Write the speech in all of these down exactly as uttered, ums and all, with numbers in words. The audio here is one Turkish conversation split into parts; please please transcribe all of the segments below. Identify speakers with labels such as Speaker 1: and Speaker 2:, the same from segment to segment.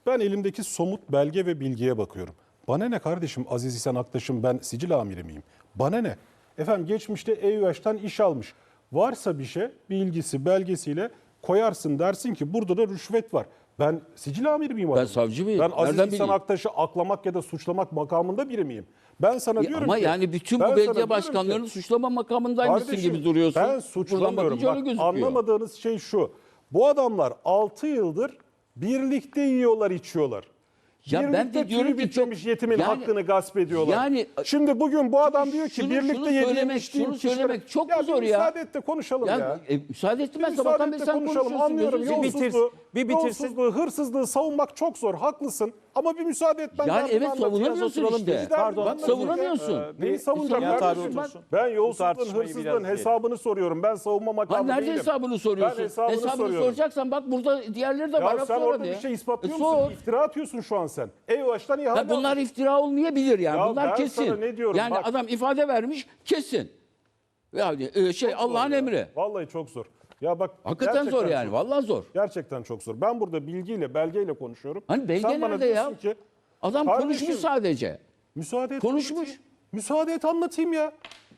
Speaker 1: Ben elimdeki somut belge ve bilgiye bakıyorum. Bana ne kardeşim, Aziz İhsan Aktaş'ım, ben sicil amiri miyim? Bana ne? Efendim geçmişte E Y O'dan iş almış. Varsa bir şey, bilgisi, belgesiyle koyarsın, dersin ki burada da rüşvet var. Ben sicil amiri miyim?
Speaker 2: Ben
Speaker 1: adamım?
Speaker 2: savcı mıyım?
Speaker 1: Ben Aziz
Speaker 2: Nereden
Speaker 1: İhsan
Speaker 2: bileyim?
Speaker 1: Aktaş'ı aklamak ya da suçlamak makamında biri miyim? Ben sana
Speaker 2: Ya
Speaker 1: diyorum
Speaker 2: ama
Speaker 1: ki...
Speaker 2: yani bütün
Speaker 1: ben
Speaker 2: bu
Speaker 1: sana
Speaker 2: belediye
Speaker 1: diyorum
Speaker 2: başkanlarını
Speaker 1: ki,
Speaker 2: suçlama makamındaymışsın
Speaker 1: kardeşim,
Speaker 2: gibi duruyorsun.
Speaker 1: ben
Speaker 2: Buradan
Speaker 1: suçlamıyorum.
Speaker 2: bakınca öyle
Speaker 1: Bak,
Speaker 2: gözüküyor.
Speaker 1: anlamadığınız şey şu. Bu adamlar altı yıldır birlikte yiyorlar, içiyorlar.
Speaker 2: Ya
Speaker 1: birlikte
Speaker 2: ben de diyorum
Speaker 1: tüyü
Speaker 2: ki
Speaker 1: bitmemiş
Speaker 2: çok-
Speaker 1: yetimin
Speaker 2: yani-
Speaker 1: hakkını gasp ediyorlar.
Speaker 2: yani-
Speaker 1: Şimdi bugün bu adam diyor ki
Speaker 2: Şunu-
Speaker 1: birlikte
Speaker 2: şunu
Speaker 1: yediğim
Speaker 2: söylemek-
Speaker 1: içtiğim
Speaker 2: şunu
Speaker 1: kişilere-
Speaker 2: söylemek çok
Speaker 1: ya
Speaker 2: mu
Speaker 1: bir
Speaker 2: zor ya?
Speaker 1: müsaade et de konuşalım ya.
Speaker 2: Ya, e, müsaade ettim ben
Speaker 1: Bir
Speaker 2: sabahtan
Speaker 1: müsaade
Speaker 2: beri
Speaker 1: et de
Speaker 2: sen
Speaker 1: konuşalım,
Speaker 2: konuşuyorsun.
Speaker 1: anlıyorum.
Speaker 2: gözünü seveyim.
Speaker 1: Yolsuzluğu,
Speaker 3: bir bitirsin.
Speaker 1: yolsuzluğu, hırsızlığı savunmak çok zor. Haklısın. Ama bir müsaade et ben
Speaker 2: Yani
Speaker 1: derdimi
Speaker 2: evet
Speaker 1: anlatayım.
Speaker 2: savunamıyorsun
Speaker 3: oturalım
Speaker 2: işte.
Speaker 3: biz. Pardon,
Speaker 2: Bak
Speaker 1: anlatayım.
Speaker 2: savunamıyorsun.
Speaker 3: Ee,
Speaker 1: Neyi
Speaker 3: bir-
Speaker 1: savunacağım
Speaker 3: Nihat abi
Speaker 1: kardeşim?
Speaker 3: otursun.
Speaker 1: Ben
Speaker 3: Bu
Speaker 1: yolsuzluğun,
Speaker 3: tartışmayı
Speaker 1: hırsızlığın
Speaker 3: biraz diyelim.
Speaker 1: hesabını soruyorum. Ben savunma
Speaker 2: Lan
Speaker 1: makamı
Speaker 2: nerede
Speaker 1: değilim.
Speaker 2: hesabını soruyorsun?
Speaker 1: Ben hesabını soruyorum.
Speaker 2: soracaksan bak burada diğerleri de var.
Speaker 1: Ya
Speaker 2: Bak
Speaker 1: sen
Speaker 2: sonra
Speaker 1: orada
Speaker 2: de.
Speaker 1: bir şey ispatlıyor
Speaker 2: E,
Speaker 1: musun?
Speaker 2: sor.
Speaker 1: İftira atıyorsun şu an sen. Eyvaş'tan ihale
Speaker 2: Ya bunlar
Speaker 1: almış.
Speaker 2: iftira olmayabilir yani.
Speaker 1: Ya
Speaker 2: bunlar
Speaker 1: ben
Speaker 2: kesin.
Speaker 1: sana ne diyorum,
Speaker 2: yani
Speaker 1: bak.
Speaker 2: adam ifade vermiş kesin. Yani e, şey
Speaker 1: Çok zor
Speaker 2: Allah'ın
Speaker 1: ya.
Speaker 2: emri.
Speaker 1: Vallahi çok zor. Ya bak
Speaker 2: Hakikaten zor
Speaker 1: gerçekten
Speaker 2: yani.
Speaker 1: çok-
Speaker 2: Vallahi zor.
Speaker 1: Gerçekten çok zor. Ben burada bilgiyle, belgeyle konuşuyorum.
Speaker 2: Hani belge
Speaker 1: Sen bana
Speaker 2: nerede ya?
Speaker 1: diyorsun ki,
Speaker 2: Adam
Speaker 1: kardeşim,
Speaker 2: konuşmuş sadece.
Speaker 1: müsaade et.
Speaker 2: Konuşmuş.
Speaker 1: anlatayım. Müsaade et anlatayım ya.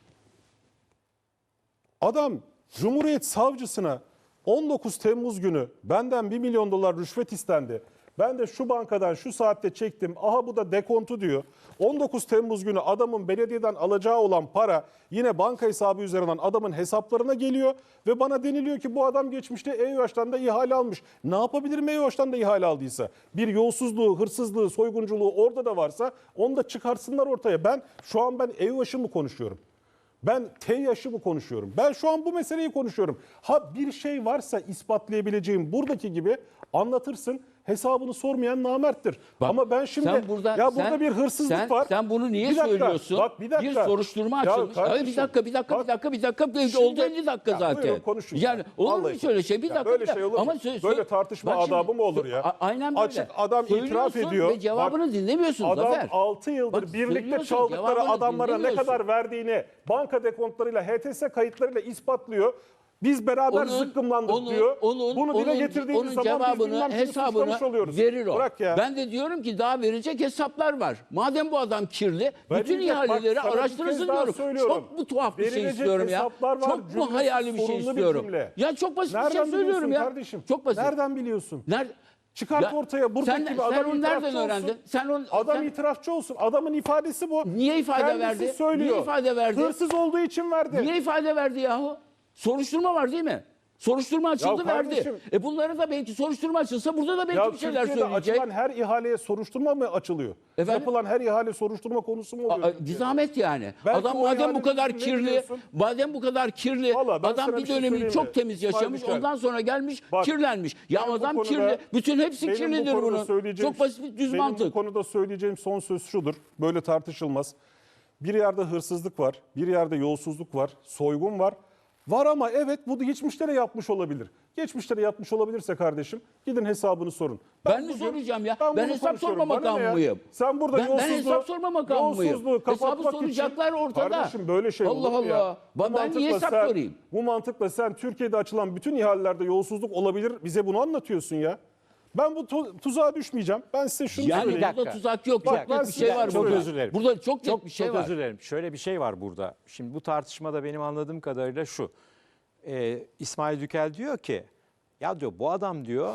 Speaker 1: Adam Cumhuriyet Savcısına on dokuz Temmuz günü benden bir milyon dolar rüşvet istendi. Ben de şu bankadan şu saatte çektim. Aha bu da dekontu diyor. on dokuz Temmuz günü adamın belediyeden alacağı olan para yine banka hesabı üzerinden adamın hesaplarına geliyor. Ve bana deniliyor ki bu adam geçmişte E Y O'dan da ihale almış. Ne yapabilirim E Y O'dan da ihale aldıysa? Bir yolsuzluğu, hırsızlığı, soygunculuğu orada da varsa onu da çıkarsınlar ortaya. Ben şu an ben E Y O'şı mı konuşuyorum? Ben T yaşı mı konuşuyorum? Ben şu an bu meseleyi konuşuyorum. Ha bir şey varsa ispatlayabileceğim buradaki gibi anlatırsın. Hesabını sormayan namerttir.
Speaker 2: Bak,
Speaker 1: Ama ben şimdi
Speaker 2: sen burada-
Speaker 1: ya burada
Speaker 2: sen-
Speaker 1: bir hırsızlık
Speaker 2: sen-
Speaker 1: var.
Speaker 2: sen bunu niye
Speaker 1: Bir dakika,
Speaker 2: söylüyorsun?
Speaker 1: Bak bir dakika.
Speaker 2: Bir soruşturma
Speaker 1: Ya
Speaker 2: açılmış. Ay,
Speaker 1: kardeşim,
Speaker 2: bir dakika, bir dakika,
Speaker 1: bak,
Speaker 2: bir dakika, bir dakika.
Speaker 1: şimdi-
Speaker 2: Oldu elli dakika
Speaker 1: Ya
Speaker 2: zaten.
Speaker 1: buyurun, konuşun
Speaker 2: Yani
Speaker 1: ya.
Speaker 2: olur mu
Speaker 1: Vallahi
Speaker 2: şöyle şey? Bir
Speaker 1: ya
Speaker 2: dakika.
Speaker 1: böyle
Speaker 2: bir dakika.
Speaker 1: şey olur mu?
Speaker 2: Ama sö-
Speaker 1: Böyle
Speaker 2: sö-
Speaker 1: tartışma
Speaker 2: bak şimdi,
Speaker 1: adabı mı olur ya?
Speaker 2: a- Aynen böyle.
Speaker 1: Açık adam itiraf
Speaker 2: Söylüyorsun
Speaker 1: ediyor.
Speaker 2: ve cevabını
Speaker 1: Bak,
Speaker 2: dinlemiyorsun
Speaker 1: Adam
Speaker 2: Zafer.
Speaker 1: altı yıldır
Speaker 2: Bak,
Speaker 1: birlikte
Speaker 2: söylüyorsun,
Speaker 1: çaldıkları
Speaker 2: cevabını
Speaker 1: adamlara ne
Speaker 2: dinlemiyorsun.
Speaker 1: kadar verdiğini banka dekontlarıyla, H T S kayıtlarıyla ispatlıyor. Biz beraber
Speaker 2: Onun-
Speaker 1: zıkkımlandık
Speaker 2: onun-
Speaker 1: diyor.
Speaker 2: onun-
Speaker 1: Bunu dile
Speaker 2: onun-
Speaker 1: getirdiğimiz
Speaker 2: onun
Speaker 1: zaman biz
Speaker 2: cevabını,
Speaker 1: bilmem kimi
Speaker 2: hesabını
Speaker 1: suçlamış oluyoruz.
Speaker 2: verir o.
Speaker 1: Bırak ya.
Speaker 2: Ben de diyorum ki daha verecek hesaplar var. Madem bu adam kirli, bütün
Speaker 1: Verilecek, bak,
Speaker 2: ihaleleri
Speaker 1: sana bir
Speaker 2: araştırırsın
Speaker 1: kez daha
Speaker 2: diyorum.
Speaker 1: söylüyorum.
Speaker 2: Çok mu tuhaf bir şey
Speaker 1: Verilecek
Speaker 2: istiyorum ya?
Speaker 1: hesaplar var,
Speaker 2: Çok mu
Speaker 1: cümlesi
Speaker 2: hayali bir şey
Speaker 1: sorunlu bir
Speaker 2: istiyorum?
Speaker 1: cümle.
Speaker 2: Ya çok basit bir
Speaker 1: Nereden
Speaker 2: şey söylüyorum
Speaker 1: biliyorsun
Speaker 2: ya.
Speaker 1: kardeşim?
Speaker 2: Çok basit.
Speaker 1: Nereden biliyorsun?
Speaker 2: Nerede?
Speaker 1: Çıkart
Speaker 2: Ya,
Speaker 1: ortaya buradaki
Speaker 2: sen,
Speaker 1: gibi
Speaker 2: sen
Speaker 1: adam
Speaker 2: onu
Speaker 1: itirafçı
Speaker 2: nereden
Speaker 1: olsun.
Speaker 2: öğrendin? Sen onu,
Speaker 1: Adam
Speaker 2: sen-
Speaker 1: itirafçı olsun. Adamın ifadesi bu.
Speaker 2: Niye ifade
Speaker 1: Kendisi
Speaker 2: verdi?
Speaker 1: söylüyor.
Speaker 2: Niye ifade verdi?
Speaker 1: Hırsız olduğu için verdi.
Speaker 2: Niye ifade verdi yahu? Soruşturma var değil mi? Soruşturma açıldı
Speaker 1: kardeşim-
Speaker 2: verdi. E bunlara da belki soruşturma açılsa burada da belki
Speaker 1: Ya
Speaker 2: bir şeyler
Speaker 1: Türkiye'de
Speaker 2: söyleyecek.
Speaker 1: açılan her ihaleye soruşturma mı açılıyor?
Speaker 2: Efendim?
Speaker 1: Yapılan her ihale soruşturma konusu mu oluyor?
Speaker 2: Aa,
Speaker 1: Türkiye'de?
Speaker 2: Zahmet yani.
Speaker 1: Belki
Speaker 2: Adam
Speaker 1: o
Speaker 2: madem bu
Speaker 1: ihalenin
Speaker 2: kadar
Speaker 1: ne
Speaker 2: kirli,
Speaker 1: biliyorsun?
Speaker 2: madem bu kadar kirli,
Speaker 1: Vallahi ben
Speaker 2: adam
Speaker 1: sana
Speaker 2: bir
Speaker 1: bir şey
Speaker 2: dönemi
Speaker 1: söyleyeyim
Speaker 2: çok
Speaker 1: mi?
Speaker 2: temiz yaşamış,
Speaker 1: İsmail
Speaker 2: ondan sonra gelmiş
Speaker 1: Bak,
Speaker 2: kirlenmiş. Ya
Speaker 1: ben bu
Speaker 2: adam
Speaker 1: konuda-
Speaker 2: kirli, bütün hepsi
Speaker 1: benim bu
Speaker 2: kirlidir
Speaker 1: konuda
Speaker 2: bunun.
Speaker 1: söyleyeceğim-
Speaker 2: Çok basit bir düz
Speaker 1: benim
Speaker 2: mantık.
Speaker 1: bu konuda söyleyeceğim son söz şudur. Böyle tartışılmaz. Bir yerde hırsızlık var, bir yerde yolsuzluk var, soygun var. Var ama evet bu da geçmişte de yapmış olabilir. Geçmişte de yapmış olabilirse kardeşim gidin hesabını sorun.
Speaker 2: Ben mi soracağım ya? Ben
Speaker 1: bunu
Speaker 2: hesap
Speaker 1: konuşuyorum.
Speaker 2: sorma
Speaker 1: Bana ne
Speaker 2: makamı
Speaker 1: ya?
Speaker 2: mıyım?
Speaker 1: Sen burada
Speaker 2: Ben- ben
Speaker 1: yolsuzluğu,
Speaker 2: hesap sorma makamı mıyım?
Speaker 1: yolsuzluğu
Speaker 2: Hesabı
Speaker 1: kapatmak
Speaker 2: soracaklar
Speaker 1: için,
Speaker 2: ortada.
Speaker 1: Kardeşim böyle şey
Speaker 2: Allah
Speaker 1: olur mu ya?
Speaker 2: Allah.
Speaker 1: Bu
Speaker 2: Ben- ben niye
Speaker 1: mantıkla
Speaker 2: hesap
Speaker 1: sen-
Speaker 2: sorayım?
Speaker 1: Bu mantıkla sen Türkiye'de açılan bütün ihalelerde yolsuzluk olabilir. Bize bunu anlatıyorsun ya. Ben bu tu- tuzağa düşmeyeceğim. Ben size şunu
Speaker 2: Yani
Speaker 1: söyleyeyim.
Speaker 2: burada
Speaker 3: dakika.
Speaker 2: tuzak yok.
Speaker 1: Bak,
Speaker 2: Çok
Speaker 1: ben
Speaker 2: net bir
Speaker 1: size-
Speaker 2: şey var
Speaker 1: çok
Speaker 2: burada.
Speaker 3: özür dilerim.
Speaker 2: Burada çok net
Speaker 3: Çok,
Speaker 2: bir şey
Speaker 3: çok
Speaker 2: var.
Speaker 3: özür dilerim. Şöyle bir şey var burada. Şimdi bu tartışmada benim anladığım kadarıyla şu. Ee, İsmail Dükel diyor ki, ya diyor bu adam diyor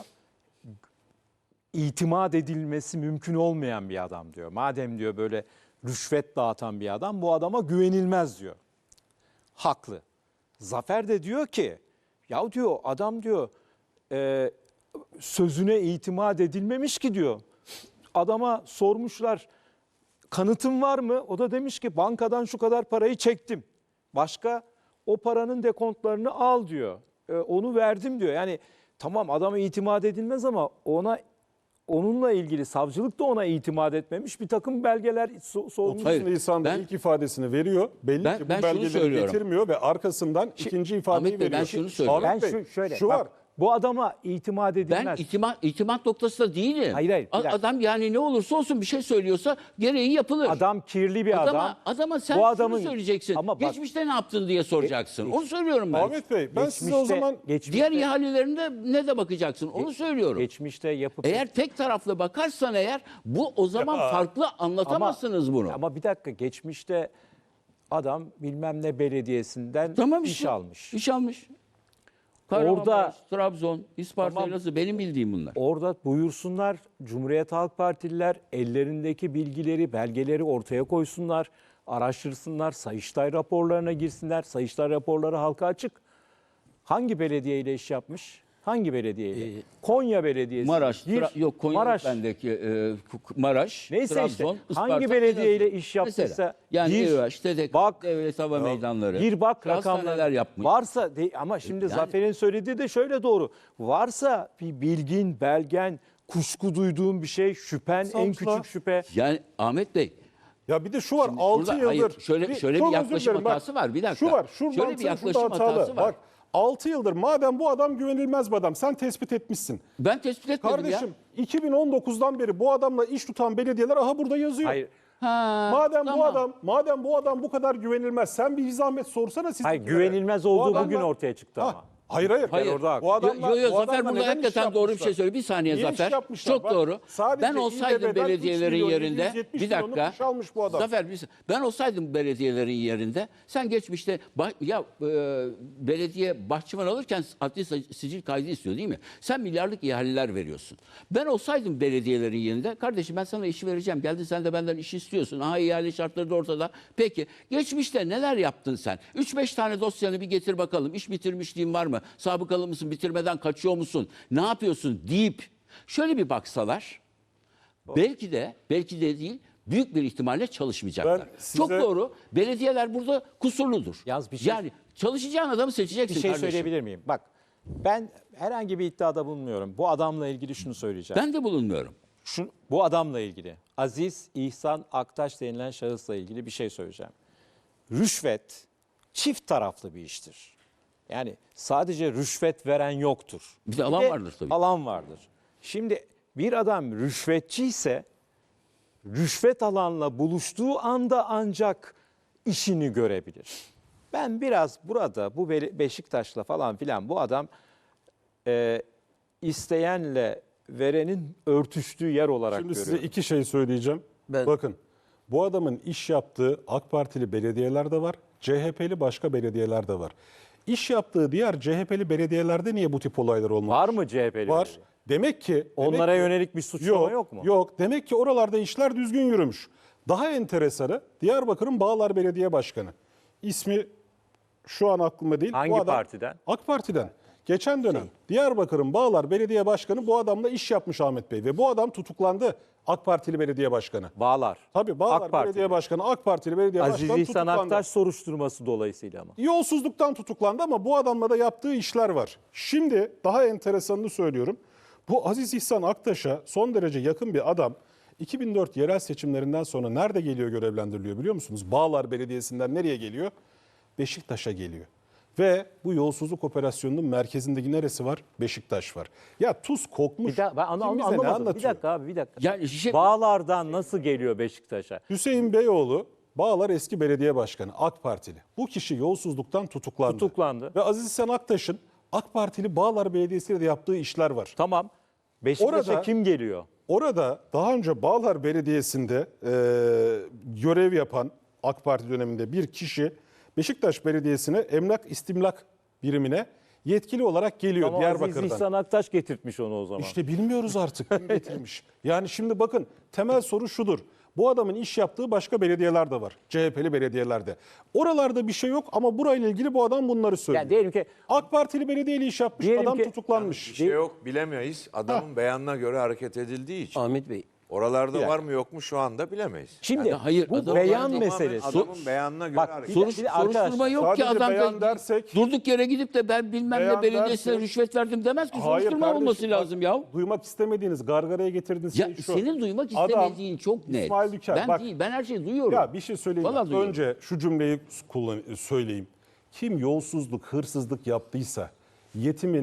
Speaker 3: itimat edilmesi mümkün olmayan bir adam diyor. Madem diyor böyle rüşvet dağıtan bir adam bu adama güvenilmez diyor. Haklı. Zafer de diyor ki, ya diyor adam diyor e, sözüne itimat edilmemiş ki diyor. Adama sormuşlar kanıtın var mı? O da demiş ki bankadan şu kadar parayı çektim. Başka o paranın dekontlarını al diyor. E, onu verdim diyor. Yani tamam adama itimat edilmez ama ona onunla ilgili savcılık da ona itimat etmemiş. Bir takım belgeler so- sormuş.
Speaker 2: Hayır,
Speaker 1: otuz Nisan'da
Speaker 2: ben-
Speaker 1: ilk ifadesini veriyor. Belli
Speaker 2: Ben-
Speaker 1: ki bu
Speaker 2: ben şunu
Speaker 1: belgeleri
Speaker 2: söylüyorum.
Speaker 1: getirmiyor ve arkasından ikinci ifadeyi
Speaker 2: Ahmet Bey, ben
Speaker 1: veriyor.
Speaker 2: şunu söylüyorum.
Speaker 1: Ahmet
Speaker 3: Ben
Speaker 1: Bey,
Speaker 3: şu- şöyle,
Speaker 1: şu
Speaker 3: bak,
Speaker 1: var.
Speaker 3: Bu adama itimat edilmez.
Speaker 2: Ben itimat, itimat noktasında değilim.
Speaker 3: Hayır, hayır, bir
Speaker 2: A-
Speaker 3: dakika.
Speaker 2: Adam yani ne olursa olsun bir şey söylüyorsa gereği yapılır.
Speaker 3: Adam kirli bir
Speaker 2: adama,
Speaker 3: adam.
Speaker 2: Adama sen
Speaker 3: Bu adamın-
Speaker 2: şunu söyleyeceksin.
Speaker 3: Ama bak-
Speaker 2: Geçmişte ne yaptın diye soracaksın. Onu söylüyorum ben.
Speaker 1: Ahmet Bey ben size o
Speaker 3: Geçmişte-
Speaker 1: zaman
Speaker 3: geçmişte,
Speaker 2: Diğer ihalelerinde ne de bakacaksın. Onu söylüyorum.
Speaker 3: geçmişte yapıp
Speaker 2: Eğer tek taraflı bakarsan eğer bu o zaman farklı anlatamazsınız bunu.
Speaker 3: Ama bir dakika, geçmişte adam bilmem ne belediyesinden
Speaker 2: Tamam
Speaker 3: iş
Speaker 2: işte.
Speaker 3: almış.
Speaker 2: İş almış. Kahramanmaraş,
Speaker 3: Orada-
Speaker 2: Trabzon, Isparta,
Speaker 3: Tamam.
Speaker 2: Elazığ benim bildiğim bunlar.
Speaker 3: Orada buyursunlar Cumhuriyet Halk Partililer ellerindeki bilgileri, belgeleri ortaya koysunlar, araştırsınlar, Sayıştay raporlarına girsinler. Sayıştay raporları halka açık. Hangi belediyeyle iş yapmış? Hangi belediyeyle? Konya Belediyesi.
Speaker 2: Maraş,
Speaker 3: Gir.
Speaker 2: Tra- yok Konya
Speaker 3: Maraş.
Speaker 2: bendeki e, Maraş,
Speaker 3: Neyse
Speaker 2: Trabzon,
Speaker 3: işte,
Speaker 2: Isparta,
Speaker 3: hangi belediyeyle
Speaker 2: Elazığ.
Speaker 3: iş yaptıysa
Speaker 2: Mesela, yani
Speaker 3: gir,
Speaker 2: İRAŞ, T D K,
Speaker 3: bak,
Speaker 2: Devlet Hava Meydanları.
Speaker 3: Gir bak
Speaker 2: hastaneler
Speaker 3: rakamlar
Speaker 2: yapmış.
Speaker 3: varsa de, ama şimdi
Speaker 2: Yani-
Speaker 3: Zafer'in söylediği de şöyle doğru. Varsa bir bilgin, belgen, kuşku duyduğun bir şey, şüphen, en
Speaker 1: Savcılar-
Speaker 3: küçük şüphe.
Speaker 2: Yani Ahmet Bey,
Speaker 1: ya bir de şu var
Speaker 2: Şimdi
Speaker 1: altı
Speaker 2: şurada-
Speaker 1: yıldır.
Speaker 2: hayır, şöyle- şöyle bir
Speaker 1: çok özür
Speaker 2: yaklaşım
Speaker 1: dilerim, bak,
Speaker 2: hatası var, bir dakika.
Speaker 1: Şu var. Şu
Speaker 2: Şöyle bir
Speaker 1: mantığın
Speaker 2: yaklaşım
Speaker 1: şurada hatalı.
Speaker 2: hatası var.
Speaker 1: Bak altı yıldır madem bu adam güvenilmez bir adam sen tespit etmişsin.
Speaker 2: ben tespit etmedim
Speaker 1: Kardeşim
Speaker 2: ya.
Speaker 1: iki bin on dokuzdan beri bu adamla iş tutan belediyeler aha burada yazıyor.
Speaker 3: Hayır,
Speaker 2: Ha,
Speaker 1: Madem bu
Speaker 2: tamam.
Speaker 1: adam madem bu adam bu kadar güvenilmez sen bir zahmet sorsana siz.
Speaker 3: hayır güvenilmez olduğu
Speaker 1: adamlar-
Speaker 3: bugün ortaya çıktı
Speaker 1: Ha,
Speaker 3: ama.
Speaker 1: Hayır hayır.
Speaker 2: Hayır.
Speaker 3: orada haklı.
Speaker 1: Bu adamlar,
Speaker 2: Yo, yo,
Speaker 1: bu
Speaker 2: Zafer
Speaker 1: adamlar
Speaker 2: burada
Speaker 1: neden iş
Speaker 2: hakikaten doğru bir
Speaker 1: yapmışlar?
Speaker 2: şey söylüyor. Bir saniye
Speaker 1: Niye iş
Speaker 2: Zafer.
Speaker 1: yapmışlar?
Speaker 2: Çok
Speaker 1: Bak,
Speaker 2: doğru.
Speaker 1: sadece
Speaker 2: Ben olsaydım
Speaker 1: İBB'den üç
Speaker 2: belediyelerin
Speaker 1: milyon
Speaker 2: yerinde
Speaker 1: yedi yüz yetmiş
Speaker 2: bir
Speaker 1: milyonluk
Speaker 2: dakika.
Speaker 1: iş almış bu adam.
Speaker 2: Zafer bir- ben olsaydım belediyelerin yerinde sen geçmişte bah- ya e, belediye bahçıvan alırken adli sa- sicil kaydı istiyor değil mi? Sen milyarlık ihaleler veriyorsun. Ben olsaydım belediyelerin yerinde kardeşim ben sana işi vereceğim. Geldin sen de benden iş istiyorsun. Aha ihale şartları da ortada. Peki geçmişte neler yaptın sen? üç beş tane dosyanı bir getir bakalım. İş bitirmişliğin var mı? Sabıkalı mısın? Bitirmeden kaçıyor musun? Ne yapıyorsun deyip şöyle bir baksalar belki de belki de değil büyük bir ihtimalle çalışmayacaklar.
Speaker 1: Ben size-
Speaker 2: Çok doğru. Belediyeler burada kusurludur.
Speaker 3: Yalnız bir şey-
Speaker 2: Yani çalışacağın adamı seçeceksin
Speaker 3: Bir şey
Speaker 2: kardeşim.
Speaker 3: söyleyebilir miyim? Bak, ben herhangi bir iddiada bulunmuyorum. Bu adamla ilgili şunu söyleyeceğim.
Speaker 2: Ben de bulunmuyorum.
Speaker 3: Şu, bu adamla ilgili, Aziz İhsan Aktaş denilen şahısla ilgili bir şey söyleyeceğim. Rüşvet çift taraflı bir iştir. Yani sadece rüşvet veren yoktur.
Speaker 2: Bir de alan vardır tabii.
Speaker 3: Alan vardır. Şimdi bir adam rüşvetçi ise rüşvet alanla buluştuğu anda ancak işini görebilir. Ben biraz burada bu Be- Beşiktaş'la falan filan bu adam e, isteyenle verenin örtüştüğü yer olarak
Speaker 1: Şimdi
Speaker 3: görüyorum.
Speaker 1: size iki şey söyleyeceğim.
Speaker 2: Ben-
Speaker 1: Bakın bu adamın iş yaptığı AK Partili belediyeler de var. C H P'li başka belediyeler de var. İş yaptığı diğer C H P'li belediyelerde niye bu tip olaylar olmamış?
Speaker 3: Var mı C H P'li?
Speaker 1: Var.
Speaker 3: belediye?
Speaker 1: Demek ki demek
Speaker 3: Onlara
Speaker 1: ki-
Speaker 3: yönelik bir suçlama yok, mu?
Speaker 1: Yok. Demek ki oralarda işler düzgün yürümüş. Daha enteresanı Diyarbakır'ın Bağlar Belediye Başkanı. İsmi şu an aklımda değil.
Speaker 3: Hangi
Speaker 1: Bu adam-
Speaker 3: partiden?
Speaker 1: AK Parti'den. Geçen dönem Diyarbakır'ın Bağlar Belediye Başkanı bu adamla iş yapmış Ahmet Bey. Ve bu adam tutuklandı. AK Partili belediye başkanı.
Speaker 3: Bağlar.
Speaker 1: Tabii Bağlar
Speaker 3: AK Partili.
Speaker 1: Belediye Başkanı, AK Partili belediye
Speaker 3: Aziz
Speaker 1: başkanı
Speaker 3: İhsan
Speaker 1: tutuklandı.
Speaker 3: Aktaş soruşturması dolayısıyla ama.
Speaker 1: Yolsuzluktan tutuklandı ama bu adamla da yaptığı işler var. Şimdi daha enteresanını söylüyorum. Bu Aziz İhsan Aktaş'a son derece yakın bir adam iki bin dört yerel seçimlerinden sonra nerede geliyor görevlendiriliyor biliyor musunuz? Bağlar Belediyesi'nden nereye geliyor? Beşiktaş'a geliyor. Ve bu yolsuzluk operasyonunun merkezindeki neresi var? Beşiktaş var. Ya tuz kokmuş.
Speaker 3: Bir dakika, ben onu,
Speaker 1: Kim
Speaker 3: onu
Speaker 1: bize ne
Speaker 3: anlamadım. Bir
Speaker 1: anlatıyor?
Speaker 3: dakika abi bir dakika.
Speaker 2: Yani şey-
Speaker 3: Bağlardan nasıl geliyor Beşiktaş'a?
Speaker 1: Hüseyin Beyoğlu Bağlar eski belediye başkanı AK Partili. Bu kişi yolsuzluktan tutuklandı.
Speaker 3: Tutuklandı.
Speaker 1: Ve Aziz İhsan Aktaş'ın AK Partili Bağlar Belediyesi'yle de yaptığı işler var.
Speaker 3: Tamam. Beşiktaş'a
Speaker 1: Orada-
Speaker 3: kim geliyor?
Speaker 1: Orada daha önce Bağlar Belediyesi'nde e, görev yapan AK Parti döneminde bir kişi Beşiktaş Belediyesi'ne emlak istimlak birimine yetkili olarak geliyor
Speaker 3: Ama Aziz
Speaker 1: Diyarbakır'dan.
Speaker 3: İhsan Aktaş getirtmiş onu o zaman.
Speaker 1: İşte bilmiyoruz artık kim getirmiş. Yani şimdi bakın temel soru şudur. Bu adamın iş yaptığı başka belediyeler de var. C H P'li belediyelerde. Oralarda bir şey yok ama burayla ilgili bu adam bunları söylüyor.
Speaker 3: Yani diyelim ki
Speaker 1: AK Partili belediyeyle iş yapmış
Speaker 3: Diyelim
Speaker 1: adam
Speaker 3: ki-
Speaker 1: tutuklanmış.
Speaker 4: Bir şey yok bilemeyiz. Adamın beyanına göre hareket edildiği için.
Speaker 2: Ahmet Bey.
Speaker 4: Oralarda
Speaker 1: dakika.
Speaker 4: var mı yok mu şu anda bilemeyiz.
Speaker 3: şimdi
Speaker 2: Ya hayır,
Speaker 3: bu
Speaker 2: adam-
Speaker 3: beyan
Speaker 2: Tamamen
Speaker 3: meselesi.
Speaker 4: Adamın beyanına göre
Speaker 3: Bak,
Speaker 4: hareket
Speaker 3: bir-
Speaker 2: Soruş,
Speaker 3: bir de arkadaşlar,
Speaker 2: soruşturma yok ki
Speaker 1: sadece
Speaker 2: adam
Speaker 1: beyan
Speaker 2: da
Speaker 1: dersek-
Speaker 2: durduk yere gidip de ben bilmem
Speaker 1: Beyan
Speaker 2: ne belediyesine
Speaker 1: dersek-
Speaker 2: rüşvet verdim demez ki.
Speaker 1: Hayır
Speaker 2: Soruşturma
Speaker 1: kardeşim,
Speaker 2: olması
Speaker 1: bak,
Speaker 2: lazım ya.
Speaker 1: Duymak istemediğiniz, gargaraya getirdiğiniz
Speaker 2: Ya
Speaker 1: şey şu.
Speaker 2: senin duymak
Speaker 1: Adam,
Speaker 2: istemediğin çok net.
Speaker 1: İsmail Düker,
Speaker 2: ben
Speaker 1: bak-
Speaker 2: değil, ben her şeyi duyuyorum.
Speaker 1: Ya bir şey söyleyeyim.
Speaker 2: Vallahi duyuyorum.
Speaker 1: Önce şu cümleyi kullan söyleyeyim. Kim yolsuzluk, hırsızlık yaptıysa yetimin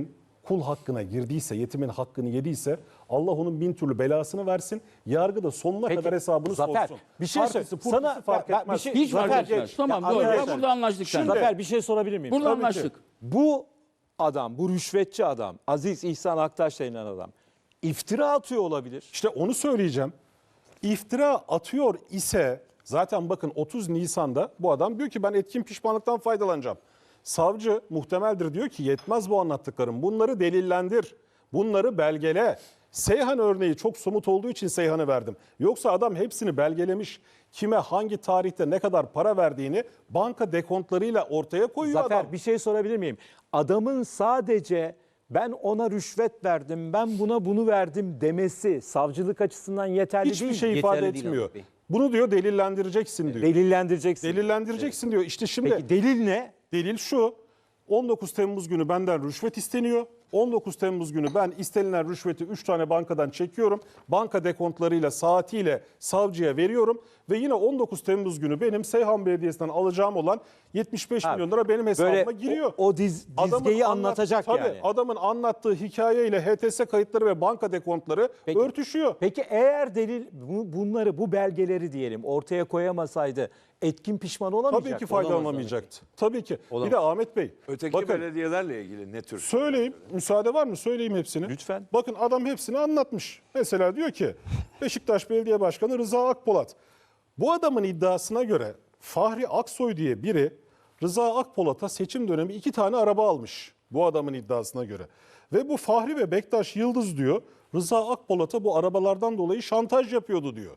Speaker 1: kul hakkına girdiyse, yetimin hakkını yediyse Allah onun bin türlü belasını versin. Yargı da sonuna
Speaker 3: Peki,
Speaker 1: kadar hesabını
Speaker 3: Zafer,
Speaker 1: sorsun.
Speaker 3: bir şey söyle.
Speaker 1: Partisi,
Speaker 3: Sana
Speaker 1: purtisi fark
Speaker 3: ben- ben
Speaker 1: etmez.
Speaker 3: bir şey-
Speaker 2: Hiç fark
Speaker 3: Zafer,
Speaker 2: etmez.
Speaker 3: geç.
Speaker 2: Tamam
Speaker 3: Ya
Speaker 2: doğru.
Speaker 3: arkadaşlar,
Speaker 2: Ya burada anlaştık sen.
Speaker 3: Zafer bir şey sorabilir miyim?
Speaker 2: Burada
Speaker 1: Tabii ki.
Speaker 2: anlaştık.
Speaker 3: Bu adam, bu rüşvetçi adam, Aziz İhsan Aktaş denilen adam iftira atıyor olabilir.
Speaker 1: İşte onu söyleyeceğim. İftira atıyor ise zaten bakın otuz Nisan'da bu adam diyor ki ben etkin pişmanlıktan faydalanacağım. Savcı muhtemeldir diyor ki yetmez bu anlattıklarım. Bunları delillendir. Bunları belgele. Seyhan örneği çok somut olduğu için Seyhan'ı verdim. Yoksa adam hepsini belgelemiş. Kime hangi tarihte ne kadar para verdiğini banka dekontlarıyla ortaya koyuyor
Speaker 3: Zafer
Speaker 1: adam.
Speaker 3: bir şey sorabilir miyim? Adamın sadece ben ona rüşvet verdim, ben buna bunu verdim demesi savcılık açısından yeterli
Speaker 1: Hiçbir
Speaker 3: değil.
Speaker 1: şey
Speaker 3: mi?
Speaker 1: ifade
Speaker 2: Yeterli değil
Speaker 1: etmiyor.
Speaker 2: Ahmet Bey.
Speaker 1: Bunu diyor delillendireceksin diyor.
Speaker 3: Delillendireceksin.
Speaker 1: Delillendireceksin diyor. İşte şimdi
Speaker 3: Peki delil ne?
Speaker 1: delil şu. on dokuz Temmuz günü benden rüşvet isteniyor. on dokuz Temmuz günü ben istenilen rüşveti üç tane bankadan çekiyorum. Banka dekontlarıyla, saatiyle savcıya veriyorum. Ve yine on dokuz Temmuz günü benim Seyhan Belediyesi'nden alacağım olan yetmiş beş milyon lira benim hesabıma
Speaker 3: Böyle
Speaker 1: giriyor.
Speaker 3: o, o diz,
Speaker 1: Adamın
Speaker 3: dizgeyi
Speaker 1: anlat-
Speaker 3: anlatacak
Speaker 1: tabii,
Speaker 3: yani.
Speaker 1: Adamın anlattığı hikayeyle H T S kayıtları ve banka dekontları
Speaker 3: Peki.
Speaker 1: örtüşüyor.
Speaker 3: Peki eğer delil bu- bunları, bu belgeleri diyelim ortaya koyamasaydı etkin pişman olamayacak
Speaker 1: Tabii ki
Speaker 3: mı?
Speaker 1: faydalanamayacaktı. Tabii ki. Bir de Ahmet Bey.
Speaker 4: Öteki
Speaker 1: bakın,
Speaker 4: belediyelerle ilgili ne tür?
Speaker 1: söyleyeyim. Müsaade var mı? Söyleyeyim hepsini.
Speaker 3: Lütfen.
Speaker 1: Bakın adam hepsini anlatmış. Mesela diyor ki Beşiktaş Belediye Başkanı Rıza Akpolat. Bu adamın iddiasına göre Fahri Aksoy diye biri Rıza Akpolat'a seçim dönemi iki tane araba almış. Bu adamın iddiasına göre. Ve bu Fahri ve Bektaş Yıldız diyor Rıza Akpolat'a bu arabalardan dolayı şantaj yapıyordu diyor.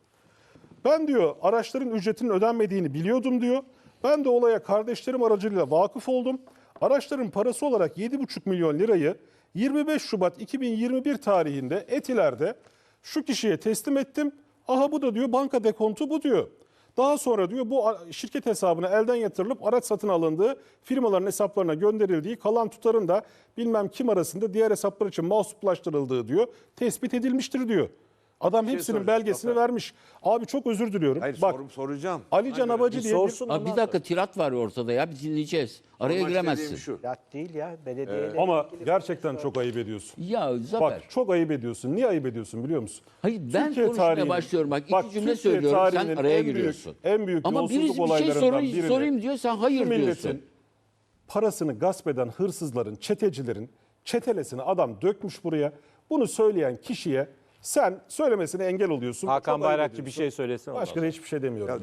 Speaker 1: Ben diyor araçların ücretinin ödenmediğini biliyordum diyor. Ben de olaya kardeşlerim aracılığıyla vakıf oldum. Araçların parası olarak yedi buçuk milyon lirayı yirmi beş Şubat iki bin yirmi bir tarihinde Etiler'de şu kişiye teslim ettim. Aha bu da diyor banka dekontu bu diyor. Daha sonra diyor bu şirket hesabına elden yatırılıp araç satın alındığı firmaların hesaplarına gönderildiği kalan tutarın da bilmem kim arasında diğer hesaplar için mahsuplaştırıldığı diyor tespit edilmiştir diyor. Adam hepsinin
Speaker 4: soracağım,
Speaker 1: belgesini
Speaker 4: Zafer.
Speaker 1: vermiş. Abi çok özür diliyorum.
Speaker 4: Hayır
Speaker 1: Bak
Speaker 4: sorum soracağım.
Speaker 1: Ali Can Abacı diye bir
Speaker 3: sorsun.
Speaker 2: Abi bir dakika tirat var ortada ya bir dinleyeceğiz. Araya
Speaker 4: Sormak
Speaker 2: giremezsin.
Speaker 4: istediğim şu.
Speaker 5: Lat değil ya belediyeyle.
Speaker 1: ama gerçekten çok ayıp ediyorsun.
Speaker 2: Ya Zafer.
Speaker 1: Bak çok ayıp ediyorsun. Niye ayıp ediyorsun biliyor musun?
Speaker 2: Hayır ben
Speaker 1: Türkiye
Speaker 2: konuşmaya
Speaker 1: tarihinin-
Speaker 2: başlıyorum bak iki
Speaker 1: bak,
Speaker 2: cümle
Speaker 1: Türkiye
Speaker 2: söylüyorum sen
Speaker 1: tarihinin
Speaker 2: araya
Speaker 1: en büyük-
Speaker 2: giriyorsun.
Speaker 1: en büyük
Speaker 2: Ama
Speaker 1: yolsuzluk
Speaker 2: birisi bir şey
Speaker 1: olaylarından
Speaker 2: sorayım,
Speaker 1: birini
Speaker 2: sorayım diyor sen hayır
Speaker 1: şu milletin
Speaker 2: diyorsun.
Speaker 1: parasını gasp eden hırsızların, çetecilerin çetelesini adam dökmüş buraya. Bunu söyleyen kişiye sen söylemesine engel oluyorsun.
Speaker 3: Hakan
Speaker 1: Çok ayıp
Speaker 3: Bayrakçı bir
Speaker 1: ediyorsun.
Speaker 3: şey söylesin. ondan
Speaker 1: Başka da hiçbir şey demiyorum.